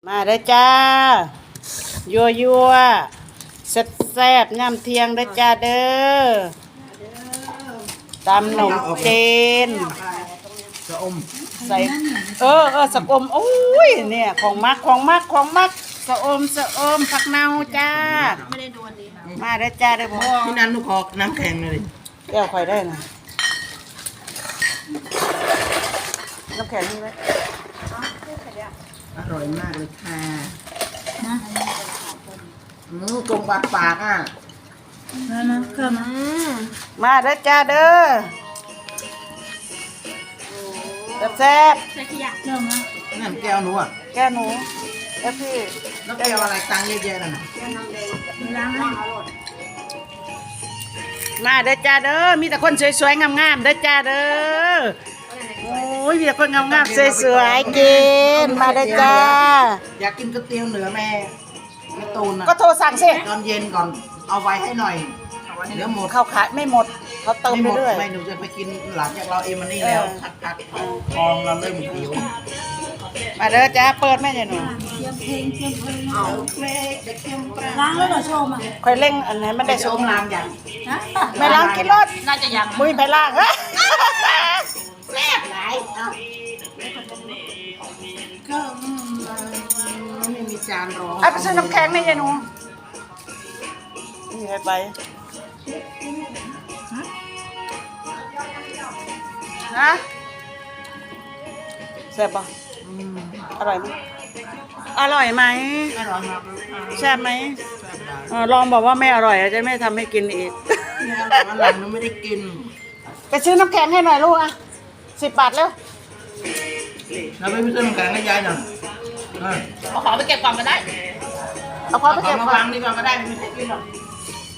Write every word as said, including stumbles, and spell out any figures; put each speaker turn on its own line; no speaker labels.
มาเด้อจ้ายัวยัวแซ่บแซ่บย่ำเที่ยงเด้อจ้าเด้อตำหนมเจน
จะอม
ใส่เออเออสะอมโอ้ยเนี่ยของมักของมักของมักสะอมสะอมผักเน่าจ้าไม่ได้ดูอันนี้มาเด้อจ้าเด้อพ่อ
ที่นั้นลูกคอน้ำแข็งเลย
แก้วข่อยได้นะน้ำแข็งนี่ไหม
อร่อยมากเลยค่ะอืมกลมบาดปากอ่ะ
มามาเข้ามา
มาเด้อจ้าเด้อแซ่บ
ใส่ขยะเริ่มมา
นั่นแก้วหนูอ่ะ
ๆแก้วหนูแก้วพี่
แล้วแก้วอะไรตังค์เยอะแยะนั่นน่ะ
ไม่ล้างให้
มาเด้อจ้าเด้อมีแต่คนสวยๆงามๆเด้อจ้าเด้อโอ้ยมีแต่คนงามๆสวยๆกินมาเด้อจ้า
อยากกินก๋วยเตี๋ยวเหนือแม่แม่ตูนอ่ะ
ก็โทรสั่งสิ
ตอนเย็นก่อนเอาไว้ให้หน่อยเดี๋ยวหมด
เขาขายไม่หมดเขาเติม
ไม่
ไป
หมด
เรื่อย
ไม่หนูจะไปกินหลังจากเราเอ็มมันนี่แล้วพักๆทองเราเริ่มหิว
มาเด้อจ้าเปิดแม่ใหญ่หนู
เตรียมเพลงเตรียมเพลง
เอาเล็กเด็กเข้มปลา
ล้างแล้วเหรอโชว์มา
คอยเร่งอันไหนมันได้
ช
ส
ม
ม
รางอย่าง
ฮะ
ไม่ล้างกินรถ
น่าจะยัง
มุ้ยไปล้างฮะ
แซ่บหลายเอาก็ไม่มีจานรอง
ไอ้ไปซื้อน้ำแข็งแม่ใหญ่หนูนี่ให้ไปฮะแซ่บปะอร่อยไหมอร่อยไหม
อร่อยมากเลย
แซ่บไหมเออลองบอกว่าไม่อร่อยอาจจะไม่ทำให้กินอีก
วันหลังหนูไม่ได้กิน
ไปซื้อน้ำแข็งให้หน่อยลูกอ่ะสิบบาทแล้ว
เราไปซื้อน้ำแข็งให้ยายหน่อยเออ
เอาของไปเก็บก่อนก็ได้
เอาพอ
เอา
ไป
ขอ
เก็
ง
บ
มา
ก่อ
วาน งดีกว่าก็ได้ไม่ได้กินหรอก